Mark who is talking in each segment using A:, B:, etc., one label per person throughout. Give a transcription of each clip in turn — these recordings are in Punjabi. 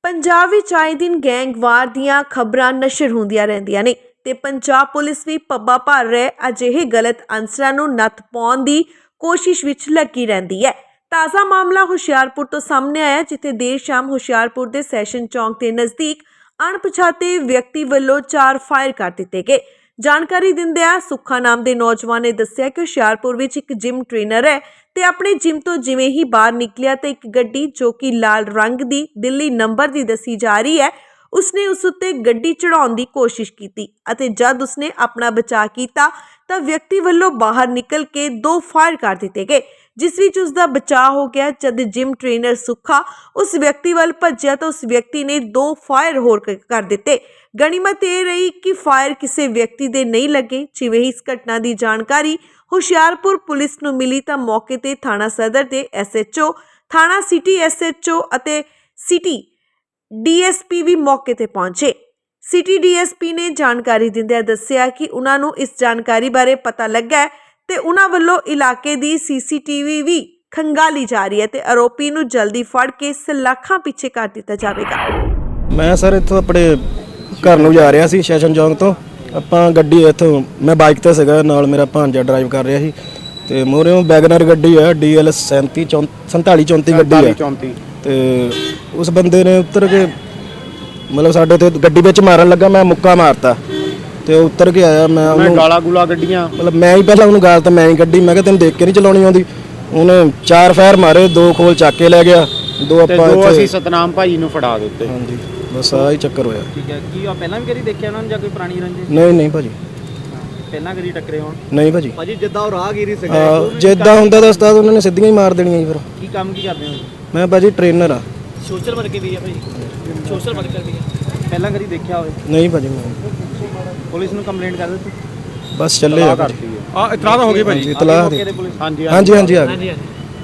A: ਪੰਜਾਬ ਵਿੱਚ ਆਏ ਦਿਨ ਗੈਂਗਵਾਰ ਦੀਆਂ ਖਬਰਾਂ ਨਸ਼ਰ ਹੁੰਦੀਆਂ ਰਹਿੰਦੀਆਂ ਨੇ ਤੇ ਪੰਜਾਬ ਪੁਲਿਸ ਵੀ ਪੱਬਾਂ ਭਰ ਰਹੇ ਅਜਿਹੇ ਗਲਤ ਅਨਸਰਾਂ ਨੂੰ ਨੱਥ ਪਾਉਣ ਦੀ ਕੋਸ਼ਿਸ਼ ਵਿੱਚ ਲੱਗੀ ਰਹਿੰਦੀ ਹੈ। ਤਾਜ਼ਾ ਮਾਮਲਾ ਹੁਸ਼ਿਆਰਪੁਰ ਤੋਂ ਸਾਹਮਣੇ ਆਇਆ, ਜਿੱਥੇ ਦੇਰ ਸ਼ਾਮ ਹੁਸ਼ਿਆਰਪੁਰ ਦੇ ਸੈਸ਼ਨ ਚੌਂਕ ਦੇ ਨਜ਼ਦੀਕ ਅਣਪਛਾਤੇ ਵਿਅਕਤੀ ਵੱਲੋਂ 4 ਫਾਇਰ ਕਰ ਦਿੱਤੇ ਗਏ। ਜਾਣਕਾਰੀ ਦਿੰਦਿਆਂ ਸੁੱਖਾ ਨਾਮ ਦੇ ਨੌਜਵਾਨ ਨੇ ਦੱਸਿਆ ਕਿ ਹੁਸ਼ਿਆਰਪੁਰ ਵਿੱਚ ਇੱਕ ਜਿਮ ਟ੍ਰੇਨਰ ਹੈ ਤੇ ਆਪਣੇ ਜਿਮ ਤੋਂ ਜਿਵੇਂ ਹੀ ਬਾਹਰ ਨਿਕਲਿਆ ਤੇ ਇੱਕ ਗੱਡੀ ਜੋ ਕਿ ਲਾਲ ਰੰਗ ਦੀ ਦਿੱਲੀ ਨੰਬਰ ਦੀ ਦੱਸੀ ਜਾ ਰਹੀ ਹੈ, ਉਸਨੇ ਉਸ ਉੱਤੇ ਗੱਡੀ ਚੜਾਉਣ ਦੀ ਕੋਸ਼ਿਸ਼ ਕੀਤੀ ਅਤੇ ਜਦ ਉਸਨੇ ਆਪਣਾ ਬਚਾਅ ਕੀਤਾ ਤਾਂ ਵਿਅਕਤੀ ਵੱਲੋਂ ਬਾਹਰ ਨਿਕਲ ਕੇ 2 ਫਾਇਰ ਕਰ ਦਿੱਤੇ ਗਏ, ਜਿਸ ਵਿੱਚ ਉਸ ਦਾ ਬਚਾਅ ਹੋ ਗਿਆ। ਜਦ ਜਿਮ ਟ੍ਰੇਨਰ ਸੁੱਖਾ ਉਸ ਵਿਅਕਤੀ ਵੱਲ ਭੱਜਿਆ ਤਾਂ ਉਸ ਵਿਅਕਤੀ ਨੇ 2 ਫਾਇਰ ਹੋਰ ਕਰ ਦਿੱਤੇ। ਗਣੀਮਤ ਇਹ ਰਹੀ ਕਿ ਫਾਇਰ ਕਿਸੇ ਵਿਅਕਤੀ ਦੇ ਨਹੀਂ ਲੱਗੇ। ਜਿਵੇਂ ਹੀ ਇਸ ਘਟਨਾ ਦੀ ਜਾਣਕਾਰੀ ਹੁਸ਼ਿਆਰਪੁਰ ਪੁਲਿਸ ਨੂੰ ਮਿਲੀ ਤਾਂ ਮੌਕੇ ਤੇ ਥਾਣਾ ਸਦਰ ਦੇ SHO, ਥਾਣਾ ਸਿਟੀ SHO ਅਤੇ ਸਿਟੀ DSP ਵੀ ਮੌਕੇ ਤੇ ਪਹੁੰਚੇ। ਸਿਟੀ DSP ਨੇ ਜਾਣਕਾਰੀ ਦਿੰਦਿਆਂ ਦੱਸਿਆ ਕਿ ਉਹਨਾਂ ਨੂੰ ਇਸ ਜਾਣਕਾਰੀ ਬਾਰੇ ਪਤਾ ਲੱਗਾ ਤੇ ਉਹਨਾਂ ਵੱਲੋਂ ਇਲਾਕੇ ਦੀ CCTV ਵੀ ਖੰਗਾਲੀ ਜਾ ਰਹੀ ਹੈ ਤੇ ਆਰੋਪੀ ਨੂੰ ਜਲਦੀ ਫੜ ਕੇ ਸਲਾਖਾਂ ਪਿੱਛੇ ਕਰ ਦਿੱਤਾ ਜਾਵੇਗਾ।
B: ਮੈਂ ਸਰ ਇੱਥੋਂ ਆਪਣੇ ਘਰ ਨੂੰ ਜਾ ਰਿਹਾ ਸੀ ਸੈਸ਼ਨ ਚੌਂਕ ਤੋਂ। ਆਪਾਂ ਗੱਡੀ ਇੱਥੋਂ ਮੈਂ ਬਾਈਕ ਤੇ ਸੀਗਾ, ਨਾਲ ਮੇਰਾ ਭਾਂਜਾ ਡਰਾਈਵ ਕਰ ਰਿਹਾ ਸੀ ਤੇ ਮੋਰਿਓਂ ਵੈਗਨਰ ਗੱਡੀ ਹੈ DL 4734 ਗੱਡੀ ਹੈ ਤੇ ਉਸ ਬੰਦੇ ਨੇ ਉੱਤਰ ਕੇ ਮਤਲਬ ਸਾਡੇ ਤੇ ਗੱਡੀ ਵਿੱਚ ਮਾਰਨ ਲੱਗਾ। ਮੈਂ ਮੁੱਕਾ ਮਾਰਤਾ ਤੇ ਉਹ ਉੱਤਰ ਕੇ ਆਇਆ। ਮੈਂ ਉਹਨੂੰ ਗਾਲਾਂ ਗੁਲਾ ਗੱਡੀਆਂ ਮਤਲਬ ਮੈਂ ਹੀ ਪਹਿਲਾਂ ਉਹਨੂੰ ਗਾਲ ਤਾਂ ਮੈਂ ਹੀ ਕੱਢੀ। ਮੈਂ ਕਿਹਾ ਤੈਨੂੰ ਦੇਖ ਕੇ ਨਹੀਂ ਚਲਾਉਣੀ ਆਉਂਦੀ। ਉਹਨੇ 4 ਫਾਇਰ ਮਾਰੇ, 2 ਖੋਲ ਚੱਕ ਕੇ ਲੈ ਗਿਆ, 2 ਆਪਾਂ ਇੱਥੇ
C: ਅਸੀਂ ਸਤਨਾਮ ਭਾਈ ਨੂੰ ਫੜਾ ਦਿੱਤੇ।
B: ਹਾਂਜੀ ਬਸ ਆਹ ਹੀ ਚੱਕਰ ਹੋਇਆ।
C: ਠੀਕ ਹੈ। ਕੀ ਆ ਪਹਿਲਾਂ ਵੀ ਕਦੀ ਦੇਖਿਆ ਉਹਨਾਂ ਨੂੰ ਜਾਂ ਕੋਈ ਪੁਰਾਣੀ ਰੰਜਿਸ਼?
B: ਨਹੀਂ ਭਾਜੀ,
C: ਪਹਿਲਾਂ ਕਦੀ ਟੱਕਰੇ ਹੋਣ?
B: ਨਹੀਂ ਭਾਜੀ।
C: ਜਿੱਦਾਂ ਉਹ ਰਾਹਗੀਰੀ ਸੀਗਾ
B: ਜਿੱਦਾਂ ਹੁੰਦਾ ਤਾਂ ਉਸਤਾਦ ਉਹਨਾਂ ਨੇ ਸਿੱਧੀਆਂ ਹੀ ਮਾਰ ਦੇਣੀਆਂ ਜੀ। ਫਿਰ
C: ਕੀ ਕੰਮ ਕੀ ਕਰਦੇ ਹੋ?
B: ਮੈਂ ਭਾਜੀ ਟ੍ਰੇਨਰ ਆ।
C: ਸੋਸ਼ਲ ਵਰਕਰ ਵੀ ਹੈ ਭਾਈ? ਸੋਸ਼ਲ ਵਰਕਰ ਵੀ ਹੈ। ਪਹਿਲਾਂ ਕਦੀ ਦੇਖਿਆ ਹੋਵੇ?
B: ਨਹੀਂ ਭਾਜੀ। ਮੈਂ
C: ਪੁਲਿਸ ਨੂੰ ਕੰਪਲੇਂਟ ਕਰ ਦਿੱਤੀ?
B: ਬਸ ਚੱਲੇ ਆ
C: ਇਤਲਾਹ ਤਾਂ ਹੋ ਗਈ ਭਾਈ?
B: ਇਤਲਾਹ
C: ਹਾਂਜੀ
B: ਹਾਂਜੀ ਆ ਗਈ।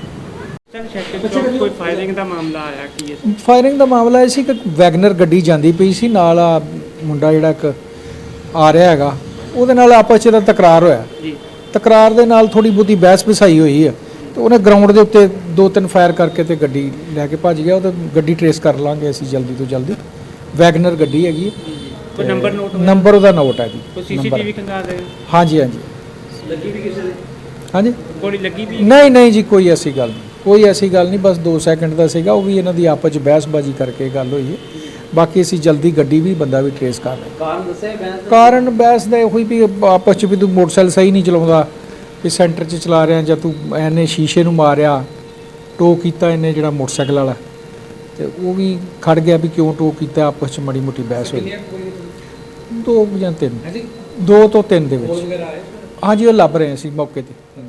C: ਕੋਈ ਫਾਇਰਿੰਗ ਦਾ ਮਾਮਲਾ ਆਇਆ? ਕੀ ਹੈ
D: ਫਾਇਰਿੰਗ ਦਾ ਮਾਮਲਾ ਇਹ ਸੀ ਕਿ ਵੈਗਨਰ ਗੱਡੀ ਜਾਂਦੀ ਪਈ ਸੀ, ਨਾਲ ਆ ਮੁੰਡਾ ਜਿਹੜਾ ਇੱਕ ਆ ਰਿਹਾ ਹੈਗਾ, ਉਹਦੇ ਨਾਲ ਆਪਸ 'ਚ ਤਕਰਾਰ ਹੋਇਆ ਜੀ। ਤਕਰਾਰ ਦੇ ਨਾਲ ਥੋੜੀ ਬਹੁਤੀ ਬਹਿਸ ਵਿਸਾਈ ਹੋਈ ਹੈ ਤੇ ਉਹਨੇ ਗਰਾਊਂਡ ਦੇ ਉੱਤੇ 2-3 ਫਾਇਰ ਕਰਕੇ ਤੇ ਗੱਡੀ ਲੈ ਕੇ ਭੱਜ ਗਿਆ। ਉਹ ਤਾਂ ਗੱਡੀ ਟਰੇਸ ਕਰ ਲਾਂਗੇ ਅਸੀਂ ਜਲਦੀ ਤੋਂ ਜਲਦੀ। ਵੈਗਨਰ ਗੱਡੀ ਹੈਗੀ।
C: ਕੋਈ ਨੰਬਰ ਨੋਟ?
D: ਨੰਬਰ ਉਹਦਾ ਨੋਟ ਹੈ ਜੀ।
C: ਕੋਈ CCTV ਖੰਗਾ ਦੇ?
D: ਹਾਂਜੀ
C: ਲੱਗੀ ਵੀ ਕਿਸੇ ਦੇ?
D: ਹਾਂਜੀ
C: ਗੋਲੀ ਲੱਗੀ ਵੀ?
D: ਨਹੀਂ ਜੀ, ਕੋਈ ਐਸੀ ਗੱਲ ਨਹੀਂ। ਬਸ 2 ਸੈਕਿੰਡ ਦਾ ਸੀਗਾ। ਉਹ ਵੀ ਇਹਨਾਂ ਦੀ ਆਪਸ 'ਚ ਬਹਿਸਬਾਜ਼ੀ ਕਰਕੇ ਗੱਲ ਹੋਈ ਹੈ। ਬਾਕੀ ਅਸੀਂ ਜਲਦੀ ਗੱਡੀ ਵੀ ਬੰਦਾ ਵੀ ਟਰੇਸ ਕਰ ਰਹੇ।
C: ਕਾਰਨ ਦੱਸਿਆ ਬਹਿਸ?
D: ਕਾਰਨ ਬਹਿਸ ਦਾ ਇਹੋ ਹੀ ਵੀ ਆਪਸ 'ਚ ਵੀ ਤੂੰ ਮੋਟਰਸਾਈਕਲ ਸਹੀ ਨਹੀਂ ਚਲਾਉਂਦਾ, ਵੀ ਸੈਂਟਰ 'ਚ ਚਲਾ ਰਿਹਾ, ਜਾਂ ਤੂੰ ਇਹਨੇ ਸ਼ੀਸ਼ੇ ਨੂੰ ਮਾਰਿਆ, ਟੋ ਕੀਤਾ ਇਹਨੇ ਜਿਹੜਾ ਮੋਟਰਸਾਈਕਲ ਵਾਲਾ, ਤੇ ਉਹ ਵੀ ਖੜ ਗਿਆ ਵੀ ਕਿਉਂ ਟੋ ਕੀਤਾ। ਆਪਸ 'ਚ ਮਾੜੀ ਮੋਟੀ ਬਹਿਸ ਹੋਈ। 2 ਜਾਂ 3 2 ਤੋਂ 3 ਦੇ ਵਿੱਚ। ਹਾਂਜੀ ਉਹ ਲੱਭ ਰਹੇ ਸੀ ਮੌਕੇ ਤੇ।